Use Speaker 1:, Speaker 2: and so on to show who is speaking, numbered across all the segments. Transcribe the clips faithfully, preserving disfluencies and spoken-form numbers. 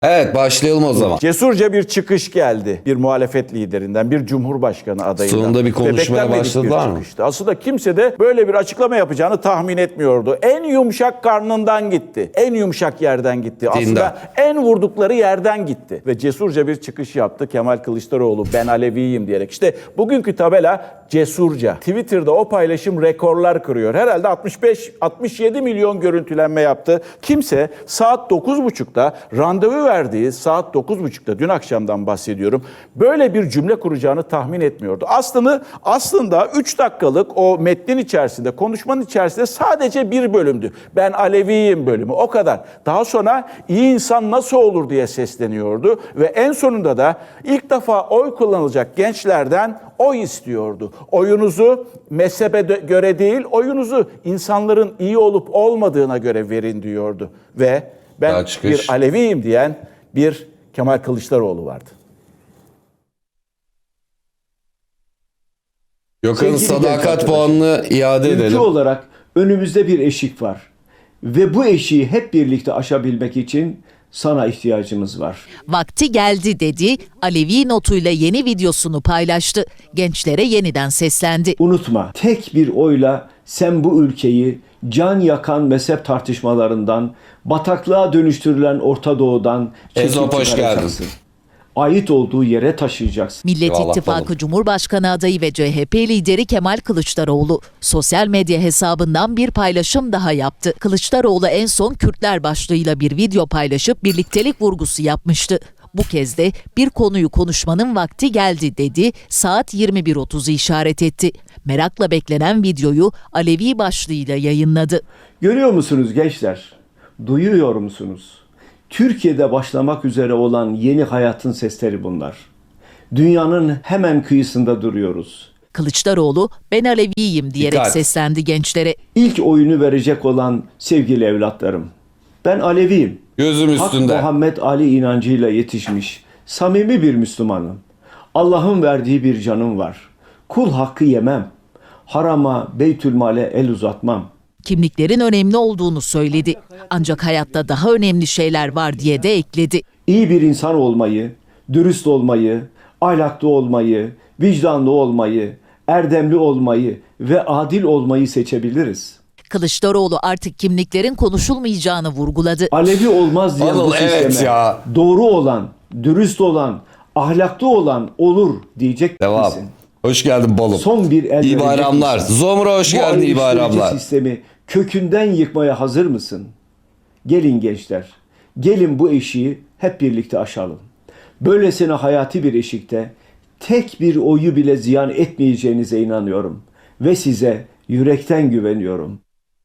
Speaker 1: Evet, başlayalım o zaman.
Speaker 2: Cesurca bir çıkış geldi bir muhalefet liderinden, bir cumhurbaşkanı adayından.
Speaker 1: Sonunda bir konuşmaya
Speaker 2: Ve
Speaker 1: başladılar
Speaker 2: bir
Speaker 1: mı?
Speaker 2: çıkıştı. Aslında kimse de böyle bir açıklama yapacağını tahmin etmiyordu. En yumuşak karnından gitti. En yumuşak yerden gitti. Aslında
Speaker 1: Dindar.
Speaker 2: en vurdukları yerden gitti. Ve cesurca bir çıkış yaptı Kemal Kılıçdaroğlu, ben Aleviyim diyerek. İşte bugünkü tabela cesurca. Twitter'da o paylaşım rekorlar kırıyor. Herhalde altmış beş altmış yedi milyon görüntülenme yaptı. Kimse saat dokuz buçukta randevu verdiği saat dokuz buçukta, dün akşamdan bahsediyorum, böyle bir cümle kuracağını tahmin etmiyordu. Aslında aslında üç dakikalık o metnin içerisinde, konuşmanın içerisinde sadece bir bölümdü. Ben Aleviyim bölümü, o kadar. Daha sonra iyi insan nasıl olur diye sesleniyordu ve en sonunda da ilk defa oy kullanılacak gençlerden oy istiyordu. Oyunuzu mezhebe göre değil, oyunuzu insanların iyi olup olmadığına göre verin diyordu. Ve ben bir Aleviyim diyen bir Kemal Kılıçdaroğlu vardı.
Speaker 1: Gökhan'ın sadakat puanını iade
Speaker 3: Ülke
Speaker 1: edelim.
Speaker 3: olarak önümüzde bir eşik var. Ve bu eşiği hep birlikte aşabilmek için sana ihtiyacımız var.
Speaker 4: Vakti geldi dedi, Alevi notuyla yeni videosunu paylaştı. Gençlere yeniden seslendi.
Speaker 3: Unutma, tek bir oyla sen bu ülkeyi can yakan mezhep tartışmalarından, bataklığa dönüştürülen Orta Doğu'dan
Speaker 1: Ezop, hoş geldin.
Speaker 3: Ait olduğu yere taşıyacaksın.
Speaker 4: Millet
Speaker 1: Eyvallah
Speaker 4: İttifakı
Speaker 1: oğlum.
Speaker 4: Cumhurbaşkanı adayı ve C H P lideri Kemal Kılıçdaroğlu sosyal medya hesabından bir paylaşım daha yaptı. Kılıçdaroğlu en son Kürtler başlığıyla bir video paylaşıp birliktelik vurgusu yapmıştı. Bu kez de bir konuyu konuşmanın vakti geldi dedi, saat yirmi bir otuzu işaret etti. Merakla beklenen videoyu Alevi başlığıyla yayınladı.
Speaker 3: Görüyor musunuz gençler? Duyuyor musunuz? Türkiye'de başlamak üzere olan yeni hayatın sesleri bunlar. Dünyanın hemen kıyısında duruyoruz.
Speaker 4: Kılıçdaroğlu ben Aleviyim diyerek
Speaker 1: Dikkat.
Speaker 4: seslendi gençlere.
Speaker 3: İlk oyunu verecek olan sevgili evlatlarım. Ben Aleviyim.
Speaker 1: Gözüm
Speaker 3: Hak
Speaker 1: üstünde.
Speaker 3: Muhammed Ali inancıyla yetişmiş, samimi bir Müslümanım. Allah'ın verdiği bir canım var. Kul hakkı yemem. Harama, Beytülmal'e el uzatmam.
Speaker 4: Kimliklerin önemli olduğunu söyledi. Ancak hayatta daha önemli şeyler var diye de ekledi.
Speaker 3: İyi bir insan olmayı, dürüst olmayı, ahlaklı olmayı, vicdanlı olmayı, erdemli olmayı ve adil olmayı seçebiliriz.
Speaker 4: Kılıçdaroğlu artık kimliklerin konuşulmayacağını vurguladı.
Speaker 3: Alevi olmaz diyen
Speaker 1: Anıl,
Speaker 3: bu sisteme
Speaker 1: evet ya.
Speaker 3: doğru olan, dürüst olan, ahlaklı olan olur diyecek
Speaker 1: Devam.
Speaker 3: misin?
Speaker 1: Hoş geldin balım.
Speaker 3: Son bir el
Speaker 1: İyi
Speaker 3: verecek
Speaker 1: bayramlar.
Speaker 3: misin?
Speaker 1: Zomra hoş
Speaker 3: Bu
Speaker 1: geldin, iyi
Speaker 3: ayrıştırıcı
Speaker 1: bayramlar.
Speaker 3: sistemi kökünden yıkmaya hazır mısın? Gelin gençler, gelin bu eşiği hep birlikte aşalım. Böylesine hayati bir eşikte tek bir oyu bile ziyan etmeyeceğinize inanıyorum. Ve size yürekten güveniyorum.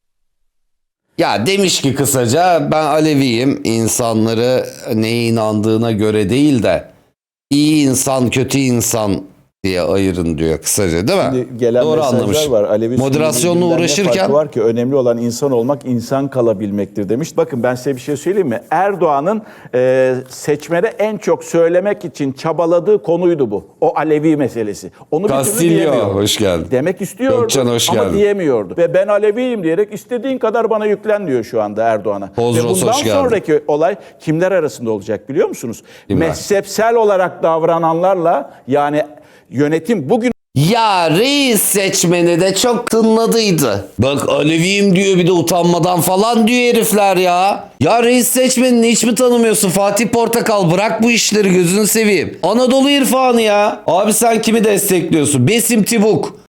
Speaker 1: Ya demiş ki kısaca, ben Aleviyim, insanları neye inandığına göre değil de iyi insan kötü insan diye ayırın diyor kısaca, değil mi?
Speaker 2: Şimdi gelen
Speaker 1: Doğru
Speaker 2: mesajlar
Speaker 1: anlamış.
Speaker 2: var. Alevi
Speaker 1: Moderasyonla
Speaker 2: Sünni birbirinden ne
Speaker 1: uğraşırken
Speaker 2: farkı var ki önemli olan insan olmak, insan kalabilmektir demiş. Bakın ben size bir şey söyleyeyim mi? Erdoğan'ın e, seçmene en çok söylemek için çabaladığı konuydu bu. O Alevi meselesi. Onu bir türlü
Speaker 1: Castillo
Speaker 2: diyemiyordu.
Speaker 1: hoş geldin.
Speaker 2: Demek istiyordu
Speaker 1: Gökçen, hoş
Speaker 2: ama
Speaker 1: geldin.
Speaker 2: diyemiyordu. Ve ben Aleviyim diyerek istediğin kadar bana yüklen diyor şu anda Erdoğan'a.
Speaker 1: Bozros,
Speaker 2: Ve bundan
Speaker 1: hoş geldin.
Speaker 2: sonraki olay kimler arasında olacak biliyor musunuz?
Speaker 1: Kimler?
Speaker 2: Mezhepsel olarak davrananlarla, yani yönetim bugün
Speaker 1: Ya reis seçmeni de çok tınladıydı. Bak Aleviyim diyor, bir de utanmadan falan diyor herifler ya. Ya reis seçmenini hiç mi tanımıyorsun Fatih Portakal? Bırak bu işleri, gözünü seveyim. Anadolu irfanı ya. Abi sen kimi destekliyorsun? Besim Tibuk.